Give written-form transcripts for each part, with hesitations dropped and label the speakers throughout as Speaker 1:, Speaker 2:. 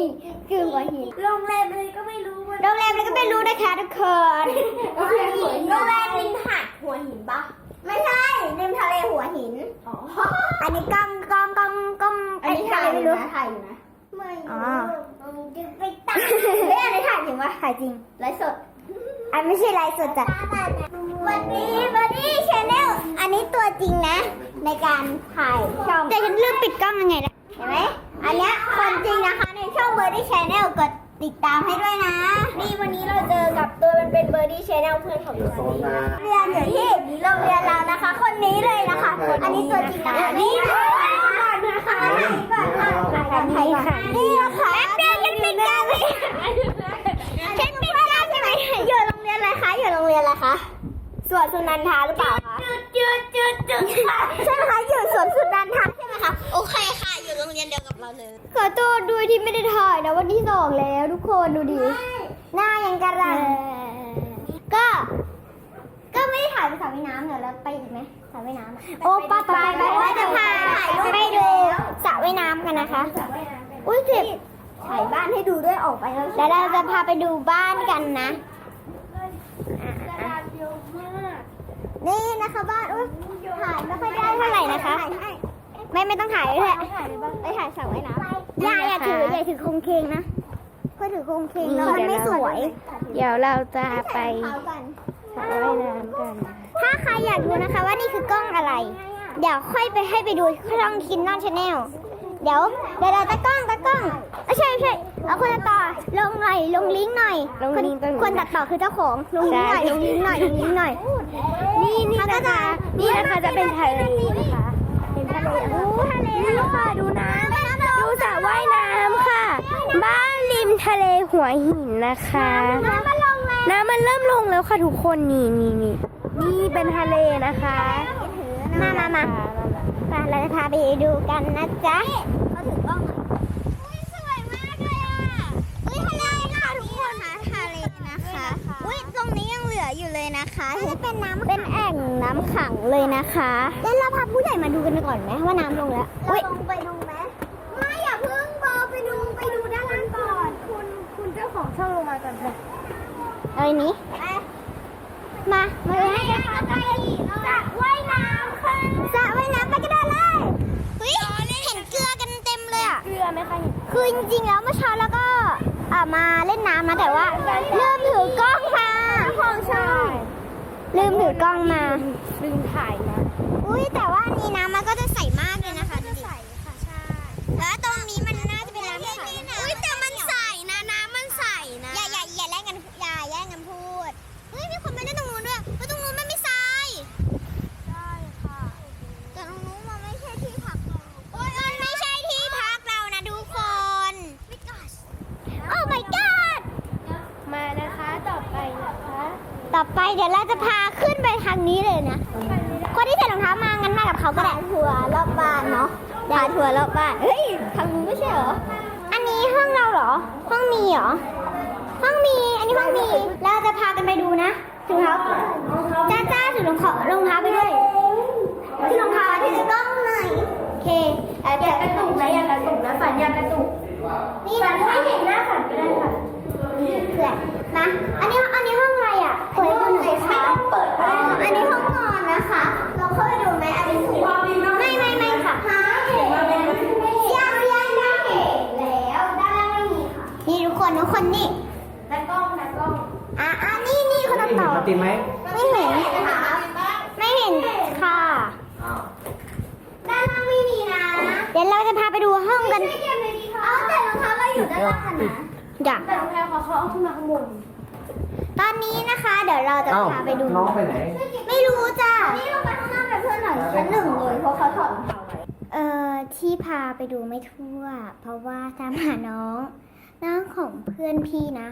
Speaker 1: คือหัวหิน
Speaker 2: โรงแรมอะไรก็ไม่รู้
Speaker 1: โรงแรมอะไรก็ไม่รู้นะคะทุกคน
Speaker 2: โรงแรมริมหาดหัวหินปะ
Speaker 1: ไม่ใช่ริมทะเลหัวหิน
Speaker 2: อ๋อ
Speaker 1: อันนี้กำ
Speaker 2: อันนี้ถ่ายอยู่นะถ่ายอยู่นะไม่จะไปตัด
Speaker 1: เฮ้ยอันนี้ถ่ายจริงวะถ่ายจริง
Speaker 2: ไลฟ์สด
Speaker 1: อันไม่ใช่ไลฟ์สดจ้ะวันนี้บัดดี้ชาแนลอันนี้ตัวจริงนะ ในการถ่ายช่องแต่ฉันลืมปิดกล้องยังไงนะเห็นไหมอันเนี้ยคนจริงนะคะในช่องบัดดี้ชาแนลกดติดตามให้ด้วยนะ
Speaker 2: นี่วันนี้เราเจอกับตัวมันเป็นเบอร์ดี้ชแนลเพื่อนของดิฉัน
Speaker 1: เรียนอยู่ที่โรงเรียนเรานะคะ คนนี้เลยนะคะ อันนี้ตัวจริงนะคะนี่ก่อนนะคะนี่ก่อนค่ะนี่นะคะแป๊บเดียวฉันปิดกล้องเลยฉันปิดกล้องใช่ไหมอยู่โรงเรียนอะไรคะอยู่โรงเรียนอะไรคะสวนสุนันทาหรือเปล่าคะจุดค่ะใช่ไหมคะอยู่สวนสุนันทาใช่ไหมคะโอเคค่ะอยู่โรงเรียนเดียวกับเราเลยขอโทษด้วยที่ไม่ได้ถ่ายนะวันที่2แล้วทุกคนดูดิหน้ายังกระรังก็ไม่ได้ถ่ายไปสระว่ายน้ำเดี๋ยวเราไปอีกไหมสระว่ายน้ำโอ้ป้าไปจะพาไปดูสระว่ายน้ำกันนะคะอุ้ยเจ็บถ่ายบ้านให้ดูด้วยออกไปแล้วเดี๋ยวเราจะพาไปดูบ้านกันนะนี่นะคะบ้านอุ้ยถ่ายไม่ค่อยได้เท่าไหร่นะคะไม่ต้องถ่ายเลยไปถ่ายสระว่ายน้ำอย่าถือโครงเคงนะก็ถือโครงเคงแล้วมันไม่สวย
Speaker 3: เดี๋ยวเราจะไปสระว่ายน้ำกัน
Speaker 1: ถ้าใครอยากดูนะคะว่านี่คือกล้องอะไรเดี๋ยวค่อยไปให้ไปดูช่องคินนอนชาแนลเดี๋ยวเราตะกล้องไม่ใช่เอาคนตัดต่อลงลิงก์หน่อยคนตัดต่อคือเจ้าของลงลิงก์หน่อยนี่นะคะ
Speaker 3: จะเป็นทะเลนะคะเป็นทะเลนี่ค่ะดูน้ำดูสระว่ายน้ำค่ะ บ้านริมทะเลหัวหินนะคะน้ำมันเริ่มลงแล้วค่ะทุกคนนี่เป็นทะเลนะคะ
Speaker 1: มาเราจะพาไปดูกันนะจ๊ะเขาถือกล้องอุ้ยสวยมากเลยอ่ะอุ้ยทะเลค่ะทุกคนนะทะเลนะคะอุ้ยตรงนี้ยังเหลืออยู่เลยนะคะเป็นแอ่งน้ำขังเลยนะคะแล้วเราพาผู้ใหญ่มาดูกันก่อนไหมว่าน้ำลงแล้วอุ้ยลงไปดูไหมไม่อย่าเพิ่งไปดูด้านล่างก่อน
Speaker 3: คุณเจ้าของช่องลงมาก่อนเลย
Speaker 1: อะไรนี้มาเลยให้สระว่ายน้ำค่ะสระว่ายน้ำไปกันเลยเฮ้ยเห็นเกลือกันเต็มเลยอ่ะ
Speaker 3: เกลือไหมคะ
Speaker 1: คือจริงๆแล้วเมื่อเช้าแล้วก็มาเล่นน้ำนะแต่ว่าลืมถือกล้องค่ะของช่องลืมถือกล้องมา
Speaker 3: ลืมถ่ายนะ
Speaker 1: อุ้ยแต่ว่านี่น้ำมันก็จะใสมากเลยนะคะดูดิใสค่ะใช่แล้วตรงนี้มันน่าจะเป็นน้ำใสอุ้ยแต่มันใสนะน้ำมันใสนะอย่าแย่งกันพูดเฮ้ยมีคนมาเล่นตรงนู้นด้วยเพราะตรงนู้นมันไม่ทรายใช่ค่ะแต่ตรงนู้นมันไม่ใช่ที่พักเราโอ้ยมันไม่ใช่ที่พักเรานะทุกคนโอ้ my god
Speaker 3: มานะคะต่อไป
Speaker 1: เดี๋ยวเราจะพาขึ้นไปทางนี้เลยนะคนที่ใส่รองเท้ามางั้นมากับเขาก็ได้ทัวร์รอบบ้านเนาะพาทัวร์รอบบ้านเฮ้ยทางนู้นไม่ใช่เหรออันนี้ห้องเราเหรอห้องมีเหรอห้องมีอันนี้ห้องมีเราจะพากันไปดูนะถือเท้าจ้าถือรองเท้าไปด้วยถือรองเท้าถือกล้องหน่อยโอเค
Speaker 2: อย่ากระตุกนะฝันอย่ากระตุก
Speaker 1: นี่ฝันไม่เห็นหน้าฝันก็ได้ค่ะนี่เพื่อนนะอันนี้ห้องอะไรอ่ะเปิดดูหน่อยค่ะอันนี้ห้องนอนนะคะเราเข้าไปดูไหมอันนี้ถูกไม่ค่ะยังไม่เห็นแล้วด้านล่างไม่มีค่ะนี่ทุกคนนี่
Speaker 2: แล้วกล้อง
Speaker 1: นี่คนตัดต่อ
Speaker 4: ติดไหม
Speaker 1: ไม่เห็นค่ะด้านล่างไม่มีนะเดี๋ยวเราจะพาไปดูห้องกันแต่รองเท้าเราอยู่ด้านล่างนะอยาก
Speaker 2: แต่โรงแรมเขาเอาขึ้นมาข้างบน
Speaker 1: ตอนนี้นะคะเดี๋ยวเราจะพาไปดู
Speaker 4: น้องไปไหน
Speaker 1: ไม่รู้จ้ะนี่เราไปข้างหน้ากับเพื่อนหน่อยชั้น1เลยเพราะเขาถอดรองเท้าไว้ที่พาไปดูไม่ทั่วเพราะว่าตามหาน้องของเพื่อนพี่นะ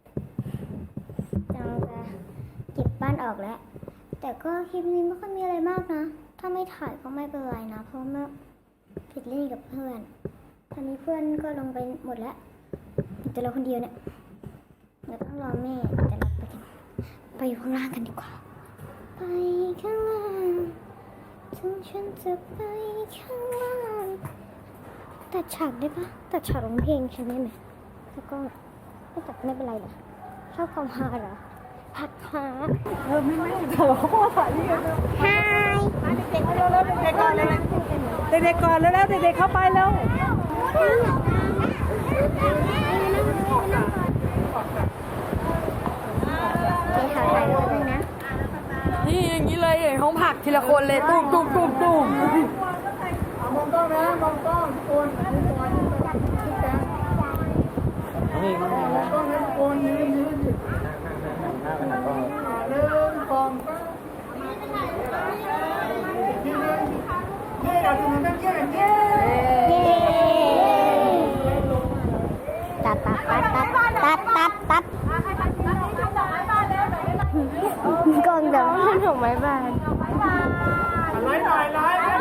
Speaker 1: เราจะเก็บบ้านออกแล้วแต่ก็คลิปนี้ไม่ค่อยมีอะไรมากนะถ้าไม่ถ่ายก็ไม่เป็นไรนะเพราะว่าผิดเล่นกับเพื่อนตอนนี้เพื่อนก็ลงไปหมดแล้วแต่เราคนเดียวเนี่ยเราต้องรอแม่แต่เราไปอยู่ข้างล่างกันดีกว่าไปข้างล่างถึงฉันจะไปข้างล่างตัดฉากได้ปะตัดฉากร้องเพลงใช่ไหมแล้วก็ไม่จับไม่เป็นไรเหรอชอบความฮาเหรอผัดฮา
Speaker 2: ไม่แต่ว่าเขาบอกถ่ายนี่กัน
Speaker 1: ฮาย
Speaker 2: เด็กก่อนเลยเด็กก่อนแล้วเด็กเข้าไปแล้ว
Speaker 1: ไปหาถ่ายรูปนะ
Speaker 2: นี่อย่างนี้เลยห้องผักทีละคนเลยตุ้มตุ้มตุ้มตุ้มมองกล้องนะมองกล้องคนนี่มองกล้องนะคนยืนเรื่องกองเย้เราจะมาเต้นเย้เย้
Speaker 1: เย้ตัดตัดตัดตัดตัดตัดกองเดี๋ยวดอกไม้บาน
Speaker 2: ร้อยหน่อยร้อยหน่อย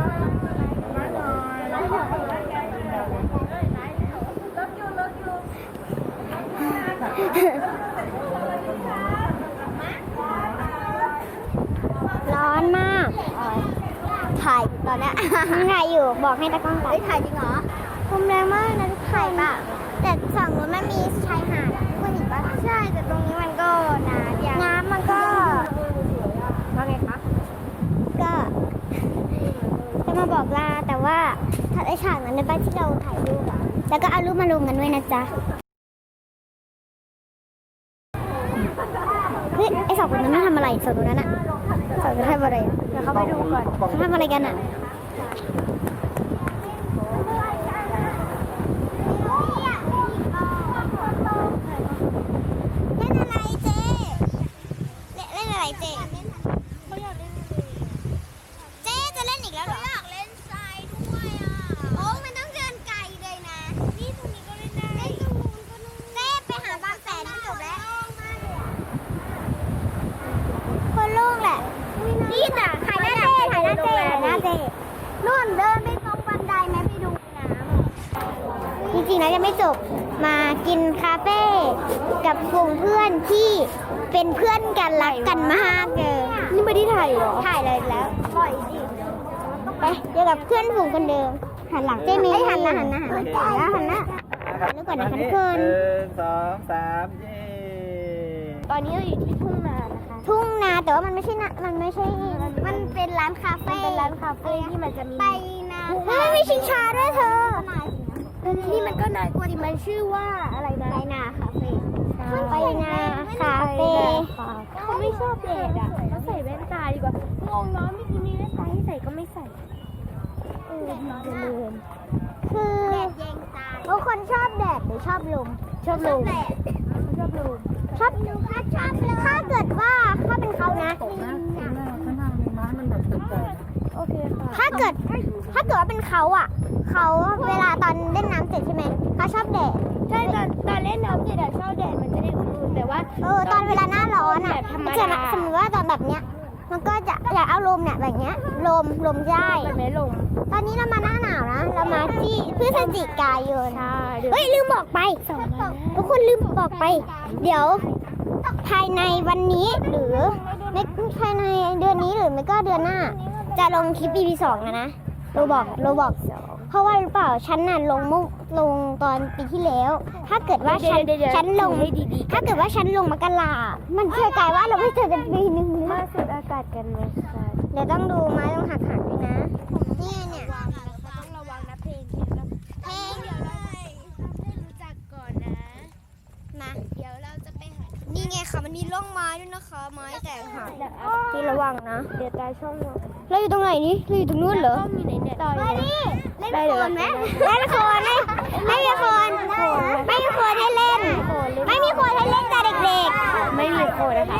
Speaker 1: ร้อนมากถ่ายตอนนี้ถ่ายอยู่บอกให้ตากล้องถ่ายถ่ายจริงเหรอลมแรงมากนะถ่ายป่ะแต่ฝั่งนู้นมันมีชายหาดคุณเห็นป่ะใช่แต่ตรงนี้มันก็น้ำมันก็ว่าไงคะก็จะมาบอกลาแต่ว่าถ้าไอฉากนั้นในบ้านที่เราถ่ายรูปอะแล้วก็เอารูปมาลงกันด้วยนะจ๊ะเฮ้ยไอสองคนนั้นทำอะไรสองคนนั้นอะสองคนทำอะไรเดี๋ยวเขาไปดูก่อนเขาทำอะไรกันอะเล่นอะไรเจ๊เล่นอะไรเจ๊เจ๊จะเล่นอีกแล้วเหรออยากเล่นทรายด้วยอ่ะโอ้มันต้องเดินไกลเลยนะนี่ตรงนี้ก็เล่นได้เล่นตรงนู้นก็นู่นเจ๊ไปหาบางแสนจบแล้วคนโล่งแหละนี่น่ะถ่ายหน้าเจ๊ถ่ายหน้าเจ๊ถ่ายหน้าเจ๊นู่นเดินไปตรงบันไดไหมไปดูน้ำจริงๆแล้วยังไม่จบมากินคาเฟ่กับกลุ่มเพื่อนที่เป็นเพื่อนกันรักกันมากเลยนี่ไม่ได้ถ่ายหรอถ่ายเลยแล้วปล่อยดิไปเจอกับเพื่อนฝูงคนเดิมหันหลังเจ๊มีหันหน้าหันหน้าหันหน้าแล้วหันหน้าดูก่อนนะคะทุกคน
Speaker 2: 1 2 3เย้
Speaker 1: ตอนนี้เราอยู่ที่ทุ่งนานะคะ ทุ่งนาแต่ว่ามันไม่ใช่นะมันไม่ใช่ มันเป็นร้านคาเฟ่เป็นร้านคาเฟ่ที่มันจะมีไปนามันมีชิงช้าด้วยเธอนี่มันก็นายกว่ามันชื่อว่าอะไรนะไปนาคาเฟ่ไปนาคาเฟ่เขาไม่ชอบแดดอ่ะเขาใส่แว่นตาดีกว่างงเนาะไม่กินมีแว่นตาให้ใส่ก็ไม่ใส่คือทุกคนชอบแดดหรือชอบลมชอบลมชอบลมชอบลมถ้าเกิดว่าถ้าเป็นเขานะโอเคค่ะถ้าเกิดว่าเป็นเขาอ่ะเขาเวลาตอนเล่นน้ำเสร็จใช่ไหมเขาชอบแดดใช่ตอนเล่นน้ำเสร็จชอบแดดมันจะได้อุ่นๆแต่ว่าตอนเวลาหน้าร้อนอ่ะสมมติว่าตอนแบบเนี้ยมันก็จะอยากเอาลมเนี่ยแบบเนี้ยลมได้แบบไหนลมตอนนี้เรามาหน้าหนาวนะเรามาที่พฤศจิกายนเฮ้ยลืมบอกไปทุกคนลืมบอกไปเดี๋ยวภายในวันนี้หรือไม่ภายในเดือนนี้หรือไม่ก็เดือนหน้าจะลงคลิป EP 2นะเราบอกเพราะว่าหรือเปล่าฉันน่ะลงตอนปีที่แล้วถ้าเกิดว่าฉันลงถ้าเกิดว่าฉันลงมกรามันเชื่อกลายว่าเราไม่เจอกันปีนึงเลยมาสูดอากาศกันไหมคะเดี๋ยวต้องดูไม้ต้องหักด้วยนะนี่เนี่ยต้องระวังนะเพลงเดี๋ยวเราให้รู้จักก่อนนะมาเดี๋ยวเราจะไปหานี่ไงค่ะมันมีร่องไม้ด้วยนะคะไม้แตกหักที่ระวังนะเดี๋ยวตายช่องเราอยู่ตรงไหนนี่เราอยู่ตรงนู้นเหรอมีไหนเนี่ยต่อนี่เล่นโคนไหมเล่นโคนไหมไม่มีโคนไม่มีโคนให้เล่นไม่มีโคนให้เล่นแต่เด็กๆไม่มีโคนนะคะ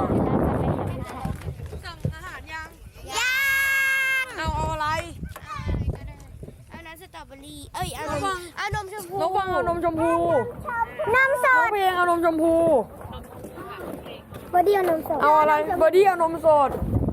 Speaker 2: สั่งอาหารยัง
Speaker 1: ย่าง
Speaker 2: เอาอะไร
Speaker 1: เอาน้ำสตรอเบอรี่เอานมชมพู
Speaker 2: ระวังเอานมชมพู
Speaker 1: นมส
Speaker 2: น้อง
Speaker 1: ด
Speaker 2: เพลงเอานมชมพู
Speaker 1: บอดี้เอานมสด
Speaker 2: เอาอะไรบอดี้เอานมสด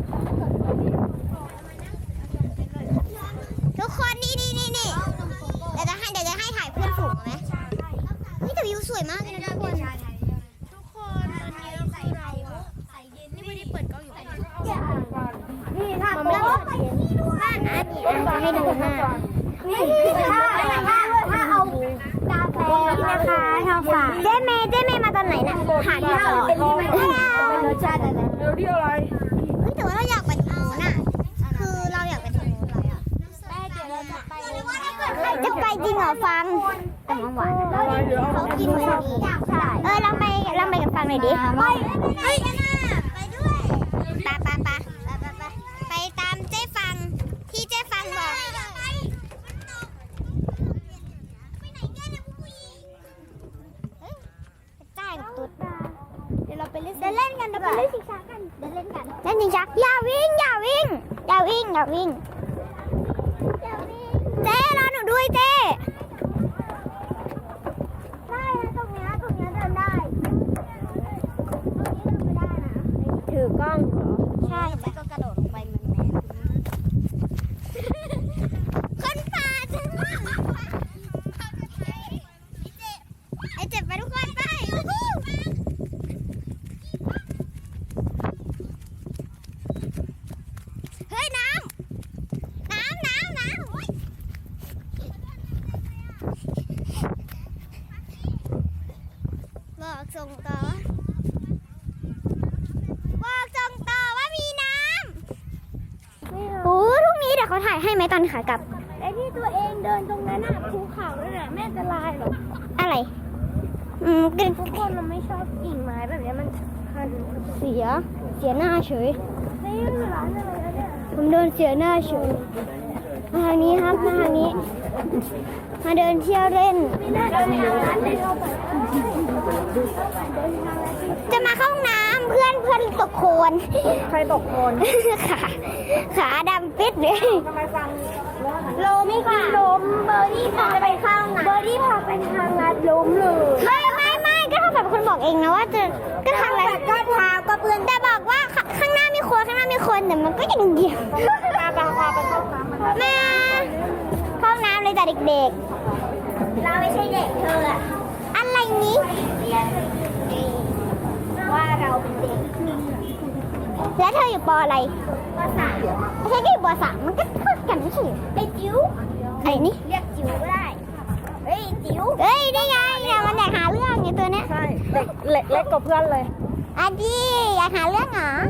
Speaker 1: ทุกคนนี่เดี๋ยวจะให้ถ่ายเพื่อนฝูงไหมนี่แต่วิวสวยมากเลยนะทุกคนตอนนี้เราใส่เย็นนี่ไม่ได้เปิดกล้องอยู่นี่ถ้าโป๊ะไปนี่ด้วยให้ดูหน้าถ้าเอานี่นะคะท้องฟ้าเจ๊เมย์มาตอนไหนนะหาที่เราเป็นรสชาติอะไร
Speaker 2: เดี๋ยวเรียกอะไร
Speaker 1: แต่ว่าเราอยากไปทางนู้นน่ะคือเราอยากไปทางนู้นเลยอ่ะเดี๋ยวเราจะไปจะไปจริงเหรอฟังแต่มันหวานเขากินเหมือนนี้ลองไปกับฟังหน่อยดิไปด้วยไปตามเจ๊ฟังที่เจ๊ฟังบอกจ่ายตุ๊ดเดี๋ยวเราไปเล่นกันเดี๋ยวไปเล่นชิงช้ากันเล่นชิงช้าอย่าวิ่งเจ๊รอหนูด้วยเจ๊ได้นะตรงเนี้ยเดินได้ถือกล้องเหรอใช่แล้วก็กระโดดลงไปมันแมนคนป่าจังไอเจ็บไปทุกคนไปเฮ้ยน้ำบอกส่งต่อว่ามีน้ำโอ้ทุกนี้เดี๋ยวเขาถ่ายให้ไหมตอนขากลับ
Speaker 3: ไอ้ที่ตัวเองเดินตรงนั้นน่ะภูเขาด้วยน่ะแม่จะลายเหรอ
Speaker 1: อะไรกิน
Speaker 3: ทุกคนมันไม่ชอบกิ่งไม้แบบนี้มันคัน
Speaker 1: เสียหน้าเฉย
Speaker 3: นี่ร้านอะไรนะเนี่ย
Speaker 1: ผมเดินเสียหน้าเฉยมาทางนี้ครับมาทางนี้มาเดินเที่ยวเล่น
Speaker 3: ไม่น่าจะมีร้านเลยเข้าไป
Speaker 1: จะมาเข้าห้องน้ำเพื่อนตกโคลน
Speaker 2: ใครตกโคลน
Speaker 1: ขาดำปิดเลย
Speaker 2: ทำไมฟัง
Speaker 1: ล้มค่ะ
Speaker 3: ล้มเบอร์ดี้พาไปข้างเบอร์ดี้พาไปทางลัดล้มเลย
Speaker 1: ไม่ก็ถ้าแบบคนบอกเองนะว่าจะก็ทางอะไรก็เท้าก็เพื่อนแต่บอกว่าข้างหน้ามีคนแต่มันก็ยังเดียว
Speaker 2: พาไปเข้าน้ำมัน
Speaker 1: มาเข้าน้ำเลยแต่เด็กๆเราไม่ใช่เด็กเธออะอะไรนี้ว่าเราเป็นเด็กแล้วเธออยู่ป.อะไรป.3ใช่ก็อยู่ป.3มันก็เท่ากันไม่ใช่ไอ้จิ๋วไอ้นี่เรียกจิ๋วก็ได้เฮ้ยจิ๋วได้ไงเนี่ยมันอยากหาเรื่องไงตัวเนี้ย
Speaker 2: ใช่เด็กเล็กกว่าเพื่อนเลย
Speaker 1: อาดีอยากหาเรื่องเหรอ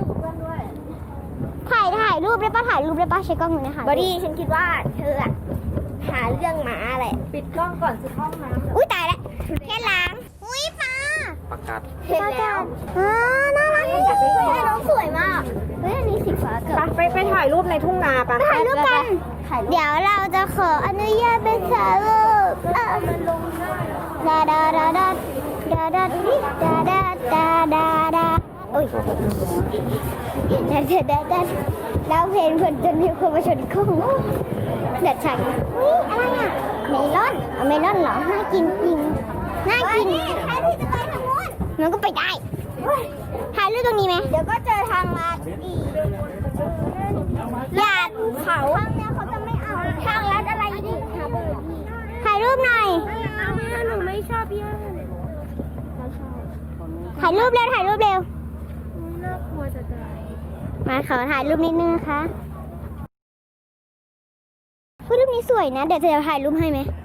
Speaker 1: ถ่ายรูปได้ปะใช้กล้องมือนะคะ
Speaker 3: เบอร์ดี้ฉันคิดว่าเธออะหาเรื่องหมาแหละ
Speaker 2: ปิดกล้องก่อนสิห้องน้ำ
Speaker 1: อุ้ยตายแล้วแค่ล้างอุ้ยปลา
Speaker 4: ประกาศ
Speaker 3: เห็นแล้ว
Speaker 1: น่ารัก
Speaker 3: น้องสวยมาก
Speaker 1: เฮ้ยอันนี้สีฟ้าเกิด
Speaker 2: ไปถ่ายรูปในทุ่งนาปะ
Speaker 1: ถ่ายรูปกัน เดี๋ยวเราจะขออนุญาตไปถ่ายรูปดาดาดาดาดาดาดาดาดาดาดาโอ้ยดาแล้วเพลงคนจนมีคนมาชนกล้องเด็ดฉันนี่อะไรอ่ะเมลอนเหรอน่ากินจริงน่ากินใครที่จะไปทางนู้นมันก็ไปได้ถ่ายรูปตรงนี้ไหมเดี๋ยวก็เจอทางลัดอีกอย่าเขาทางเนี้ยเขาจะไม่เอาทางลัดอะไรอีกค่ะถ่ายรูปหน่อย
Speaker 3: หนูไม่ชอบย่า
Speaker 1: ถ่ายรูปเร็ว
Speaker 3: น่ากลัวจะตาย
Speaker 1: มาขอถ่ายรูปนิดนึงนะคะรูปนี้สวยนะ เดี๋ยวจะถ่ายรูปให้ไหม